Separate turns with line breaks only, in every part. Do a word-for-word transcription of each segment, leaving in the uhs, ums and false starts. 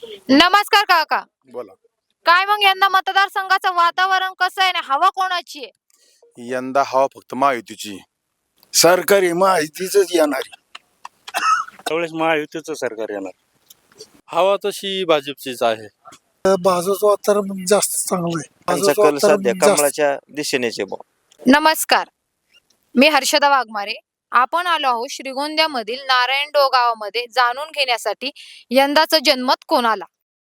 नमस्कार काका.
बोला.
काय मग यंदा मतदारसंघाचं वातावरण कसं आहे आणि हवा कोणाची आहे?
यंदा हवा फक्त महायुतीची. सरकारी माहितीच येणार.
त्यावेळेस महायुतीचं सरकार येणार. हवा तशी भाजपचीच आहे.
भाजपचं वातावरण जास्त चांगलं आहे.
त्यांचा
भाजपचं
कल सध्या
वातावरण जास्त
कमळाच्या दिशेनेच आहे बुवा.
नमस्कार. मी हर्षदा वाघमारे. आपण आलो आहोत श्रीगोंद्यामधील नारायणडोह गावामध्ये जाणून घेण्यासाठी यंदाचं जनमत कोणाला.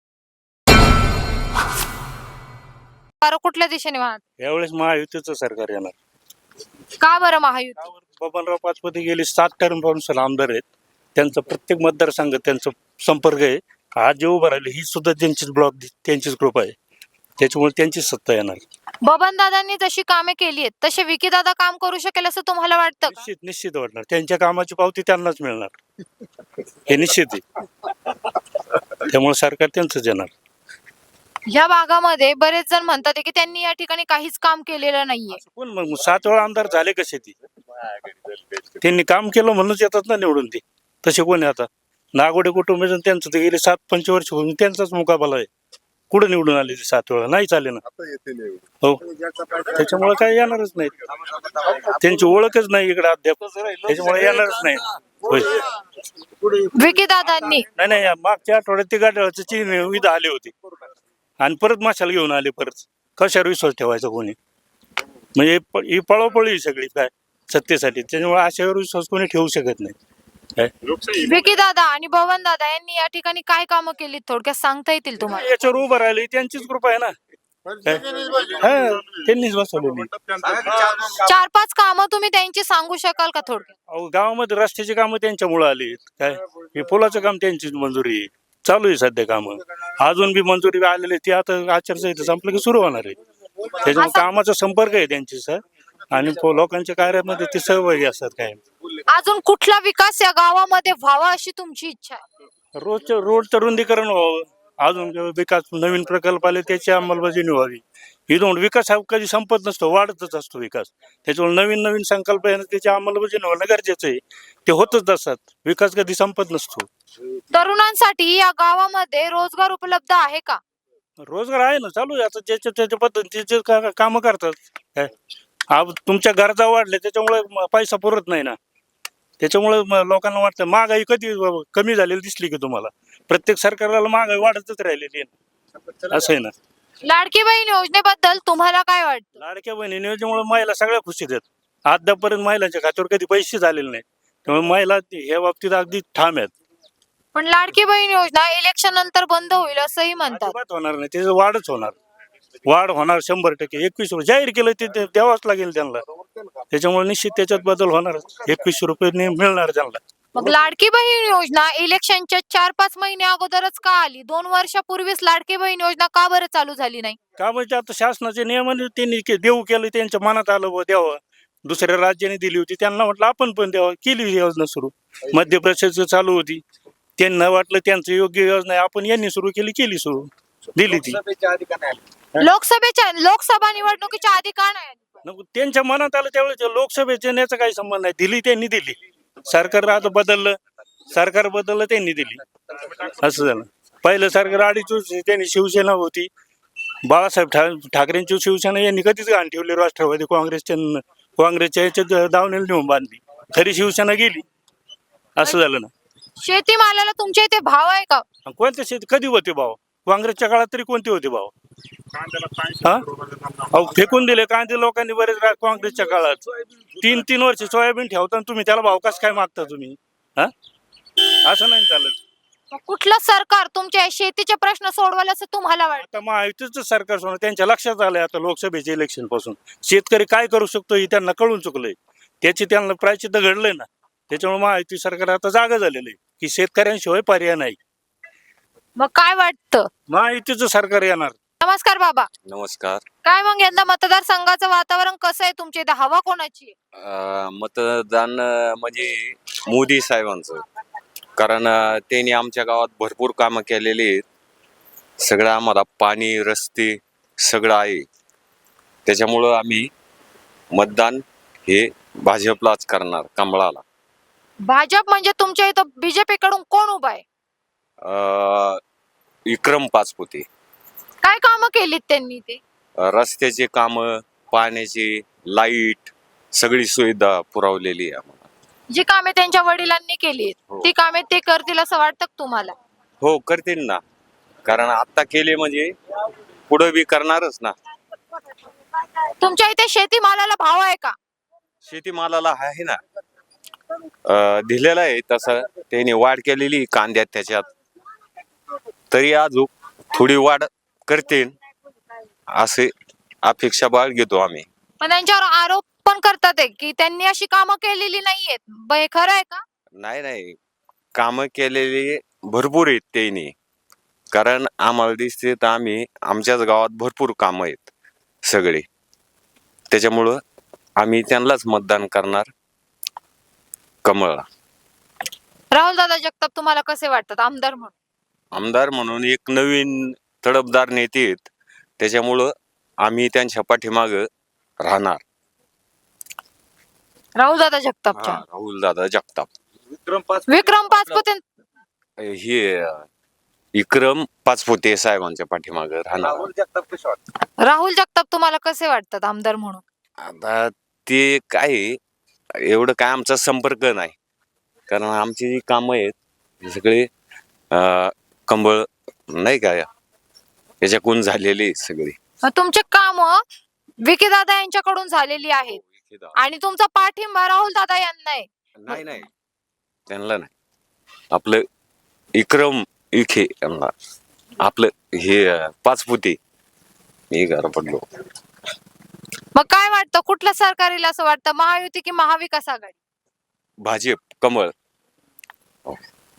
वारं कुठल्या दिशेने वाहत?
यावेळेस महायुतीचं सरकार येणार.
का बरं महायुती?
बबनराव पाचपुते गेले सात टर्म पासून आमदार आहेत. त्यांचं प्रत्येक मतदारसंघ त्यांचा संपर्क आहे. आज जे उभं राहिले ही सुद्धा त्यांचीच ब्लॉक त्यांचीच ग्रुप आहे. त्याच्यामुळे त्यांचीच सत्ता येणार.
बबन दादांनी जशी कामे केली आहेत तसे विकी दादा काम करू शकेल असं तुम्हाला वाटतं का?
निश्चित निश्चित वाटणार. त्यांच्या कामाची पावती त्यांनाच मिळणार हे निश्चित आहे. त्यामुळे सरकार त्यांचंच येणार.
या भागामध्ये बरेच जण म्हणतात आहे की त्यांनी या ठिकाणी काहीच काम केलेलं नाहीये.
कोण मग सात वेळा आमदार झाले कसे ती? त्यांनी काम केलं म्हणूनच येतात ना निवडून ते. तसे कोण आहे आता? नागोडे कुटुंब त्यांचं ते गेले सात पंचवर्ष होऊन त्यांचाच मुकाबला आहे. कुठे निवडून आले ते सात वेळा? नाही चाले ना. हो, त्याच्यामुळे काय येणारच नाही. त्यांची ओळखच नाही इकडे अद्याप. त्याच्यामुळे येणारच नाही. होय.
विकी दादांनी
नाही नाही मागच्या आठवड्यात ते गाड्याचं चीन इथं आले होते आणि परत माशाला घेऊन आले. परत कशावर विश्वास ठेवायचा कोणी? म्हणजे प- ही पळापळी सगळी काय सत्तेसाठी. त्याच्यामुळे अशावर विश्वास कोणी ठेवू शकत नाही. काय
विकी दादा आणि बबन दादा यांनी या ठिकाणी काय कामं केली थोडक्यात सांगता येतील तुम्हाला?
याच्यावर उभं राहिले त्यांचीच कृपा आहे ना. काय? हा, त्यांनीच बसवलेली.
चार पाच कामं तुम्ही त्यांची सांगू शकाल का थोडक्यात?
अहो, गावामध्ये रस्त्याची कामं त्यांच्यामुळे आली. काय हे पुलाचं काम त्यांचीच मंजुरी आहे. चालू आहे सध्या कामं. अजून बी मंजुरी आलेली ती आता आचारसंहिता संपलं की सुरू होणार आहे. त्याच्यामुळे कामाचा संपर्क आहे त्यांची सर आणि पो- लोकांच्या कार्यामध्ये ते सहभागी असतात. काय
अजून कुठला विकास या गावामध्ये व्हावा अशी तुमची इच्छा आहे?
रोजचं रोडचं रुंदीकरण व्हावं. अजून विकास नवीन प्रकल्प आले त्याची अंमलबजावणी व्हावी. इथून विकास हा कधी संपत नसतो, वाढतच असतो विकास. त्याच्यामुळे नवीन नवीन संकल्प आहे त्याची अंमलबजावणी होणं गरजेचं आहे. ते होतच असतात. विकास कधी संपत नसतो.
तरुणांसाठी या गावामध्ये रोजगार उपलब्ध आहे का?
रोजगार आहे ना, चालू आहे आता. ज्याच्या त्याच्या पद्धतीचे जे का- कामं करतात. काय अब तुमच्या गरजा वाढल्या त्याच्यामुळे म- पैसा पुरत नाही ना. त्याच्यामुळे म- लोकांना वाटतं महागाई कधी व- कमी झालेली दिसली की तुम्हाला? प्रत्येक सरकारला महागाई वाढतच राहिलेली आहे ना. असं आहे ना.
लाडकी बहीण योजनेबद्दल तुम्हाला काय वाटतं?
लाडक्या बहिणी योजनेमुळे महिला सगळ्या खुशीत आहेत. अद्यापर्यंत महिलांच्या खात्यावर कधी पैसे झालेले नाही. त्यामुळे महिला ह्या बाबतीत अगदी ठाम आहेत.
पण लाडकी बहीण योजना इलेक्शन नंतर बंद होईल असंही म्हणतात.
अजिबात होणार नाही. त्याचं वाढच होणार. वाढ होणार शंभर टक्के. एकवीस रुपये जाहीर केलं ते ते द्यावाच लागेल त्यांना. त्याच्यामुळे निश्चित त्याच्यात बदल होणार. एकवीसशे रुपये ने- मिळणार त्यांना.
मग लाडकी बहीण योजना इलेक्शनच्या चार पाच महिने अगोदरच का आली? दोन वर्षापूर्वीच लाडकी बहीण योजना का बरं चालू झाली नाही?
का म्हणजे आता शासनाचे नियमाने त्यांनी के- देऊ केलं त्यांच्या मनात आलं व द्यावं. दुसऱ्या राज्याने दिली होती त्यांना म्हटलं आपण पण द्यावं. केली ही योजना सुरू. मध्य प्रदेशचं चालू होती. त्यांना वाटलं त्यांचं योग्य योजना आहे आपण यांनी सुरू केली केली सुरू दिली ती.
लोकसभेच्या लोकसभा निवडणुकीच्या आधी का नाही आली?
नको, त्यांच्या मनात आलं त्यावेळेस लोकसभेच्या याचा काही संबंध नाही. दिली त्यांनी दिली. सरकार आता बदललं. सरकार बदललं त्यांनी दिली. असं झालं. पहिलं सरकार अडीच वर्ष त्यांनी शिवसेना होती. बाळासाहेब ठा ठाकरेंची शिवसेना यांनी कधीच घाण ठेवली. राष्ट्रवादी काँग्रेसच्या न- काँग्रेसच्या याच्यात दावणीला नेऊन बांधली. खरी शिवसेना गेली. असं झालं ना.
शेतीमालाला तुमच्या इथे भाव आहे का?
आणि कोणत्या शेती कधी होते भाव? काँग्रेसच्या काळात तरी कोणते होते भाव? हा अहो फेकून दिले कांदे लोकांनी बरेच रा- काँग्रेसच्या काळात. तीन तीन वर्ष सोयाबीन ठेवता तुम्ही त्याला भाव कसं काय मागता तुम्ही? हा असं नाही चालत.
मग कुठलं सरकार तुमच्या शेतीचे प्रश्न सोडवाल असं तुम्हाला वाटतं?
आता महायुतीचं सरकार सोडून त्यांच्या लक्षात आलंय आता लोकसभेच्या इलेक्शन पासून शेतकरी काय करू शकतो हे त्यांना कळून चुकलंय. त्याची त्यांना प्रायचित्त घडलंय ना. त्याच्यामुळे महायुती सरकार आता जागा झालेलं आहे की शेतकऱ्यांशिवाय पर्याय नाही.
मग काय वाटतं?
महायुतीचं सरकार येणार.
नमस्कार बाबा.
नमस्कार.
काय मग यंदा मतदारसंघाचं वातावरण कसं आहे तुमच्या इथे? हवा कोणाची आहे?
अं, मतदान अं, म्हणजे मोदी साहेबांचं. कारण अं, त्यांनी आमच्या गावात भरपूर कामं केलेली आहेत. सगळं आम्हाला पाणी रस्ते सगळं आहे. त्याच्यामुळं आम्ही मतदान हे भाजपलाच करणार, कमळाला.
भाजप म्हणजे तुमच्या इथं बीजेपी कडून कोण उभा आहे?
अं, विक्रम पाचपुते.
काय कामं केलीत त्यांनी ते?
रस्त्याचे काम, पाण्याची, लाईट, सगळी सुविधा पुरवलेली आहे आम्हाला.
जी कामे त्यांच्या वडिलांनी केली
हो.
ती कामे ते करतील असं वाटतं का तुम्हाला?
हो करतील ना, कारण आता केले म्हणजे पुढे बी करणारच ना.
तुमच्या इथे शेतीमालाला भाव आहे का?
शेतीमालाला आहे ना, अं, दिलेला आहे तसं. त्यांनी वाढ केलेली कांद्यात त्याच्यात, तरी अजून थोडी वाढ करतील असे अपेक्षा बाळगतो आम्ही.
पण त्यांच्यावर आरोप पण करतात आहे की त्यांनी अशी कामं केलेली नाहीयेत. ब- हे खरं आहे का?
नाही नाही, कामं केलेली भरपूर आहेत त्यांनी, कारण आम्हाला दिसते तर आम्ही आमच्याच गावात भरपूर कामं आहेत सगळे. त्याच्यामुळं आम्ही त्यांनाच मतदान करणार, कमळला.
राहुल दादा जगताप तुम्हाला कसे वाटतात आमदार म्हणून?
आमदार म्हणून एक नवीन तडफदार नेते आहेत, त्याच्यामुळं आम्ही त्यांच्या पाठीमागं राहणार.
राहुल दादा जगतापच्या
राहुल दादा जगताप.
विक्रम पाचपुते
हे विक्रम पाचपुते साहेबांच्या पाठीमागं राहणार.
राहुल जगताप तुम्हाला कसे वाटतात आमदार म्हणून?
आता ते काय आहे, एवढं काय आमचा संपर्क नाही, कारण आमची जी कामं आहेत हे सगळे अं, कंबळ नाही का याच्याकडून झालेली आहेत सगळी.
मग तुमचे काम विकी दादा यांच्याकडून झालेली आहेत आणि तुमचा पाठिंबा राहुल दादा यांना आहे.
नाही नाही, त्यांना नाही. आपलं विक्रम विखे यांना, आपलं हे अं, पाचपुते. मी घर पडलो.
मग काय वाटतं कुठलं सरकार येईल असं वाटतं, महायुती की महाविकास आघाडी?
भाजप, कमळ. हो.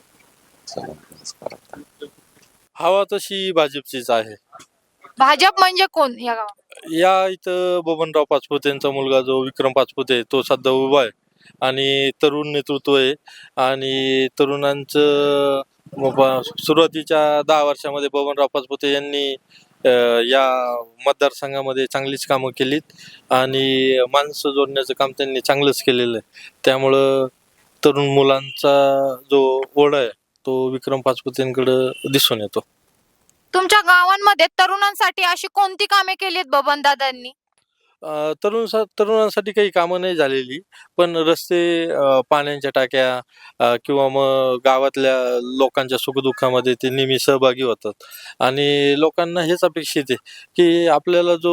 हवा तशी भाजपचीच आहे.
भाजप म्हणजे कोण या गावात?
या इथं बबनराव पाचपुतेंचा मुलगा जो विक्रम पाचपुते आहे, तो सध्या उभा आहे आणि तरुण नेतृत्व आहे. आणि तरुणांचं ब- सुरुवातीच्या दहा वर्षामध्ये बबनराव पाचपुते यांनी अ, या मतदारसंघामध्ये चांगलीच कामं केलीत आणि माणसं जोडण्याचं काम त्यांनी चांगलंच केलेलं आहे. त्यामुळं तरुण मुलांचा जो ओढा आहे तो विक्रम पाचपुतेंकडे दिसून येतो.
तुमच्या गावांमध्ये तरुणांसाठी अशी कोणती कामे केली आहेत बबन दादांनी?
अ, तरुण तरुणांसाठी काही कामं नाही झालेली, पण रस्ते, अ, पाण्याच्या टाक्या, अ, किंवा मग गावातल्या लोकांच्या सुखदुःखामध्ये ते नेहमी सहभागी होतात. आणि लोकांना हेच अपेक्षित आहे की आपल्याला जो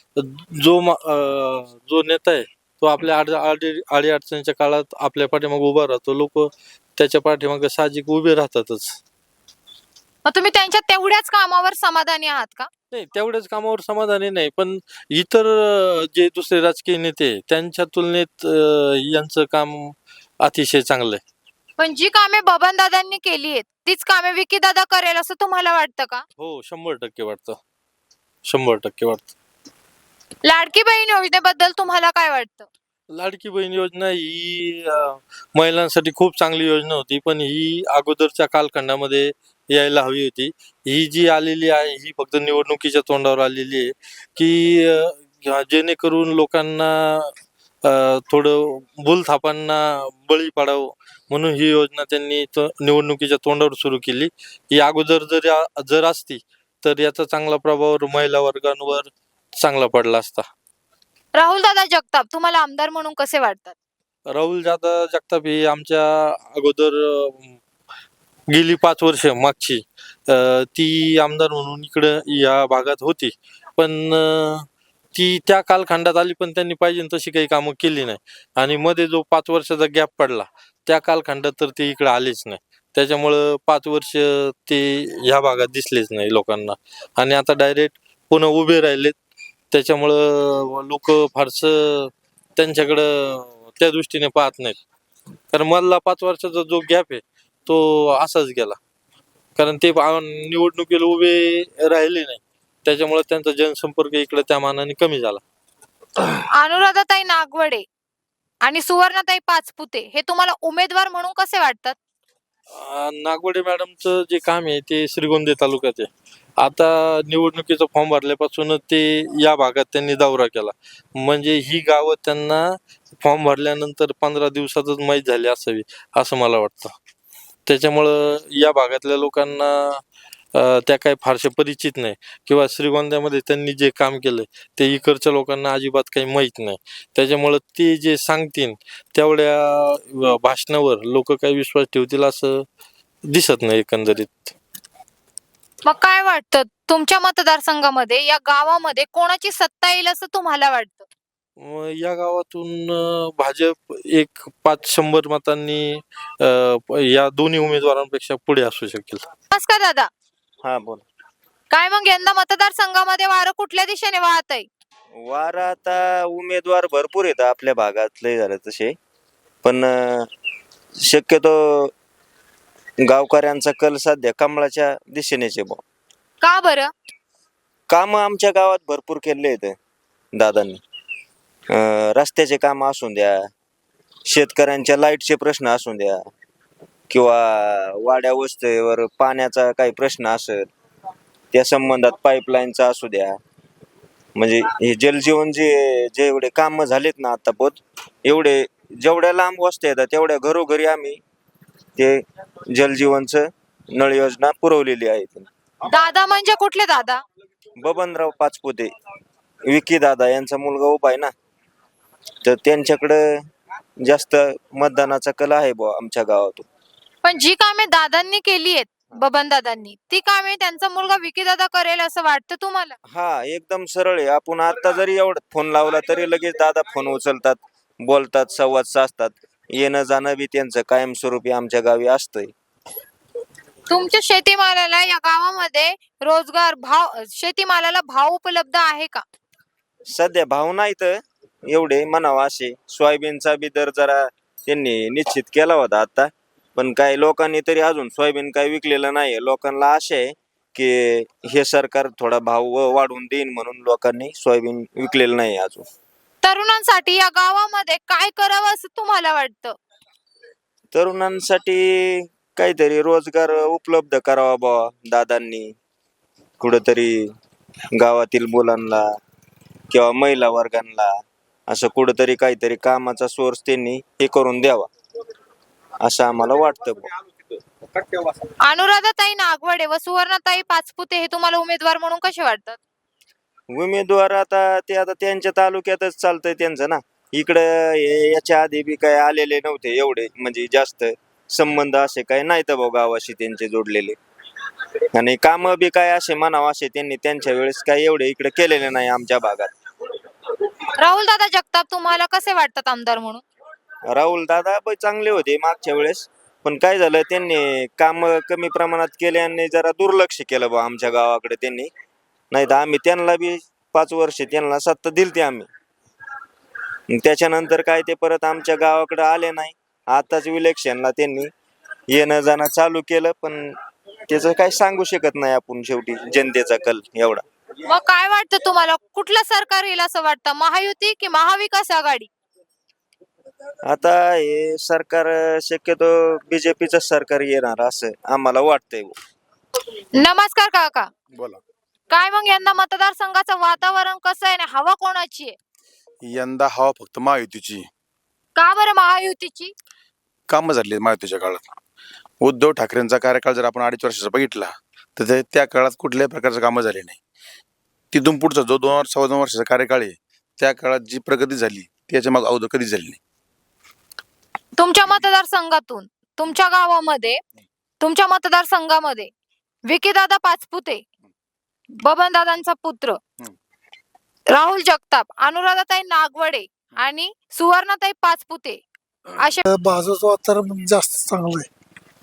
जो मा- अ, जो नेता आहे तो आपल्या आड आडी अडीअडचणीच्या काळात आपल्या पाठीमागे उभा राहतो. लोक त्याच्या पाठीमागे साहजिक उभे राहतातच.
मग तुम्ही त्यांच्या तेवढ्याच कामावर समाधानी आहात का?
नाही, तेवढ्याच कामावर समाधानी नाही, पण इतर अ, जे दुसरे राजकीय नेते आहे, त्यांच्या तुलनेत अ, यांचं काम अतिशय चांगलं आहे.
पण जी कामे बबन दादांनी केली आहेत तीच कामे विकी दादा करेल असं तुम्हाला वाटतं का?
हो, शंभर टक्के वाटतं. शंभर टक्के वाटतं.
लाडकी बहीण योजनेबद्दल तुम्हाला काय वाटतं?
लाडकी बहीण योजना ही अ, महिलांसाठी खूप चांगली योजना होती, पण ही अगोदरच्या कालखंडामध्ये यायला हवी होती. ही जी आलेली आहे ही फक्त निवडणुकीच्या तोंडावर आलेली आहे की अ, जेणेकरून लोकांना अ, थोडं भूलथापांना बळी पडावं म्हणून ही योजना त्यांनी त- निवडणुकीच्या तोंडावर सुरू केली. ही अगोदर जर या- जर असती तर याचा चांगला प्रभाव महिला वर्गांवर चांगला पडला असता.
राहुल दादा जगताप तुम्हाला आमदार म्हणून कसे वाटतात?
राहुल दादा जगताप ही आमच्या अगोदर अ, गेली पाच वर्ष मागची अ, ती आमदार म्हणून इकडं या भागात होती, पण अ, ती त्या कालखंडात आली पण त्यांनी पाहिजे तशी काही कामं केली नाही. आणि मध्ये जो पाच वर्षाचा गॅप पडला त्या कालखंडात तर ते इकडे आलेच नाही. त्याच्यामुळं पाच वर्ष ते ह्या भागात दिसलेच नाही लोकांना. आणि आता डायरेक्ट पुन्हा उभे राहिलेत, त्याच्यामुळं लोक फारसं त्यांच्याकडं त्या दृष्टीने पाहत नाहीत. कारण मधला पाच वर्षाचा जो गॅप आहे तो असाच गेला, कारण ते आ- निवडणुकीला उभे राहिले नाही, त्याच्यामुळे त्यांचा जनसंपर्क इकडे त्या मानाने कमी झाला.
अनुराधाताई नागवडे आणि सुवर्णाताई पाचपुते हे तुम्हाला उमेदवार म्हणून कसे वाटतात?
अ, नागवडे मॅडमचं जे काम आहे ते श्रीगोंदे तालुक्यात आहे. आता निवडणुकीचा फॉर्म भरल्यापासूनच ते या भागात त्यांनी दौरा केला, म्हणजे ही गावं त्यांना फॉर्म भरल्यानंतर पंधरा दिवसातच माहीत झाली असावी असं मला वाटतं. त्याच्यामुळं या भागातल्या लोकांना अ, त्या काही फारशा परिचित नाही किंवा श्रीगोंद्यामध्ये त्यांनी जे काम केलं ते इकडच्या लोकांना अजिबात काही माहीत नाही. त्याच्यामुळं ते जे सांगतील तेवढ्या अ, भाषणावर लोक काही विश्वास ठेवतील असं दिसत नाही एकंदरीत.
मग काय वाटतं तुमच्या मतदारसंघामध्ये या गावामध्ये कोणाची सत्ता येईल असं तुम्हाला वाटतं?
मग या गावातून अ, भाजप एक पाच शंभर मतांनी अ, प- या दोन्ही उमेदवारांपेक्षा पुढे असू शकेल.
नमस्कार दादा.
हा बोल.
काय मग यंदा मतदारसंघामध्ये वारं कुठल्या दिशेने वाहत आहे?
वार आता उमेदवार भरपूर आहेत आपल्या भागात लय झालं तसे, पण अं, शक्यतो गावकऱ्यांचा कल सध्या कमळाच्या दिशेनेच आहे बुवा.
का बरं?
काम आमच्या गावात भरपूर केले आहेत दादांनी. अं, रस्त्याचे काम असू द्या, शेतकऱ्यांच्या लाईटचे प्रश्न असू द्या, किंवा वाड्या वस्तीवर पाण्याचा काही प्रश्न असेल त्या संबंधात पाईपलाईनचा असू द्या. म्हणजे हे जलजीवन जे जेवढे कामं झालेत ना आता पोत एवढे जेवढ्या लांब वस्त्या येतात तेवढ्या घरोघरी आम्ही ते जलजीवनचं नळ योजना पुरवलेली आहे.
दादा म्हणजे कुठले दादा?
बबनराव पाचपुते, विकी दादा यांचा मुलगा उभा आहे ना, तर त्यांच्याकडं जास्त मतदानाचा कल आहे बुवा आमच्या गावातून.
पण जी कामे दादांनी केली आहेत बबन दादांनी ती कामे त्यांचा मुलगा विकी दादा करेल असं वाटतं तुम्हाला?
हा एकदम सरळ आहे. आपण आता जरी एवढं फोन लावला तरी लगेच दादा फोन उचलतात, बोलतात, संवाद साधतात. येणं जाणं बी त्यांचं कायमस्वरूपी आमच्या गावी असतंय.
तुमच्या शेतीमालाला या गावामध्ये रोजगार भाव शेतीमालाला भाव उपलब्ध आहे का?
सध्या भाव नाही तर एवढे म्हणावा असे. सोयाबीनचा बी दर जरा त्यांनी निश्चित केला होता आता, पण काही लोकांनी तरी अजून सोयाबीन काही विकलेलं नाही. लोकांना आशा आहे की हे सरकार थोडा भाव व- वाढवून देईन म्हणून लोकांनी सोयाबीन विकलेलं नाही अजून.
तरुणांसाठी या गावामध्ये काय करावं असं तुम्हाला वाटतं?
तरुणांसाठी काहीतरी रोजगार उपलब्ध करावा बुवा दादांनी. कुठंतरी गावातील मुलांना किंवा महिला वर्गांना असं कुठंतरी काहीतरी कामाचा सोर्स त्यांनी हे करून द्यावा असं आम्हाला वाटतं बुवा.
अनुराधाताई नागवडे व सुवर्णाताई पाचपुते हे तुम्हाला उमेदवार म्हणून कसे वाटतात?
उमेदवार आता ते आता त्यांच्या तालुक्यातच चालतंय त्यांचं ना. इकडं हे याच्या आधी बी काय आलेले नव्हते एवढे, म्हणजे जास्त संबंध असे काय नाहीत भाऊ गावाशी त्यांचे जोडलेले. आणि कामं बी काय असे म्हणावं असे त्यांनी त्यांच्या वेळेस काय एवढे इकडे केलेले नाही आमच्या भागात.
राहुल दादा जगताप तुम्हाला कसे वाटतात आमदार म्हणून?
राहुल दादा पण चांगले होते मागच्या वेळेस, पण काय झालं त्यांनी काम कमी प्रमाणात केले आणि जरा दुर्लक्ष केलं बा आमच्या गावाकडे त्यांनी. नाही तर आम्ही त्यांना बी पाच वर्ष त्यांना सत्ता दिलती आम्ही. त्याच्यानंतर काय ते परत आमच्या गावाकडे आले नाही. आताच इलेक्शनला त्यांनी येणं जाणं चालू केलं, पण त्याचं काय सांगू शकत नाही आपण. शेवटी जनतेचा कल एवढा.
मग काय वाटतं तुम्हाला कुठलं सरकार येईल असं वाटतं, महायुती की महाविकास आघाडी?
आता हे सरकार शक्यतो बीजेपीचं सरकार येणार असं आम्हाला वाटतंय.
नमस्कार काका.
बोला.
काय मग यंदा मतदारसंघाचं वातावरण कसं आहे आणि हवा कोणाची आहे?
यंदा हवा फक्त महायुतीची.
का बरं महायुतीची?
कामं झाली आहेत महायुतीच्या काळात. उद्धव ठाकरेंचा कार्यकाळ जर आपण अडीच वर्षाचा बघितला तर ते त्या काळात कुठल्याही प्रकारचं कामं झाली नाही. तिथून पुढचा जो दोन वर्ष सव्वा दोन वर्षाचा कार्यकाळ आहे त्या काळात जी प्रगती झाली त्याच्या मग अगोदर कधीच झाली नाही.
तुमच्या मतदारसंघातून तुमच्या गावामध्ये तुमच्या मतदारसंघामध्ये विकीदादा पाचपुते, बबनदादांचा पुत्र राहुल जगताप, अनुराधाताई नागवडे आणि सुवर्णाताई पाचपुते असे
भाजपचं वातावरण जास्त चांगलं आहे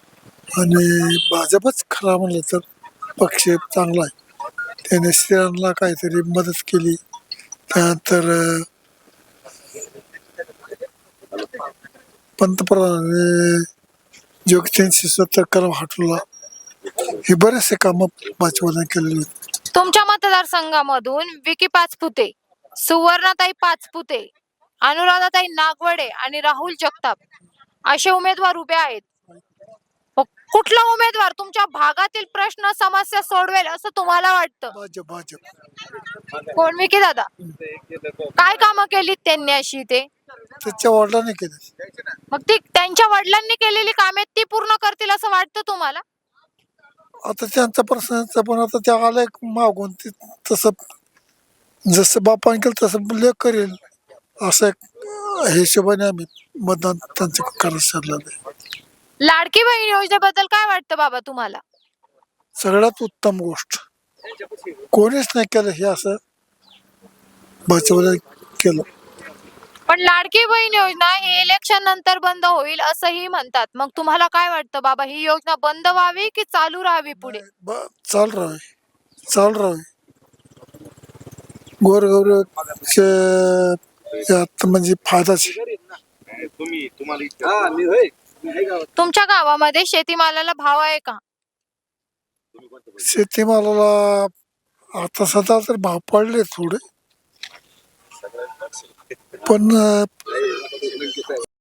आणि भाजपच खरा म्हणलं तर पक्ष चांगला आहे. त्याने स्त्रियांना काहीतरी मदत केली. त्यानंतर अं, पंतप्रधानांनी जो तीनशे सत्तर कलम हटवला, हे बरेचसे कामं भाजपने केलेले आहेत.
तुमच्या मतदारसंघामधून विकी पाचपुते, सुवर्णाताई पाचपुते, अनुराधाताई नागवडे आणि राहुल जगताप असे उमेदवार उभे आहेत. मग कुठला उमेदवार तुमच्या भागातील प्रश्न समस्या सोडवेल असं तुम्हाला वाटतं?
भाजप भाजप
कोण? विकी दादा. काय कामं केली त्यांनी अशी ते?
त्याच्या वडिलांनी केले.
मग ती त्यांच्या वडिलांनी केलेली कामे ती पूर्ण करतील असं वाटतं तुम्हाला?
आता त्यांचा प्रश्नाचा पण आता त्या आलाय मागून ते तसं जसं बापाने केलं तसं लेख करेल असं एक हिशोबाने आम्ही मतदान त्यांचं करायचं ठरलेलं आहे.
लाडकी बहीण योजनेबद्दल काय वाटतं बाबा तुम्हाला?
सगळ्यात उत्तम गोष्ट कोणीच नाही केलं हे असं भाजपला केलं.
पण लाडकी बहीण योजना ही इलेक्शन नंतर बंद होईल असंही म्हणतात. मग तुम्हाला काय वाटतं बाबा, ही योजना बंद व्हावी की चालू राहावी पुढे?
ब- चाल राहावे चाल राहावे गोरगौरचे यात म्हणजे फायदाच आहे.
तुमच्या गावामध्ये शेतीमालाला भाव आहे का?
शेतीमालाला आता सध्या तर भाव पडले थोडे पण अं,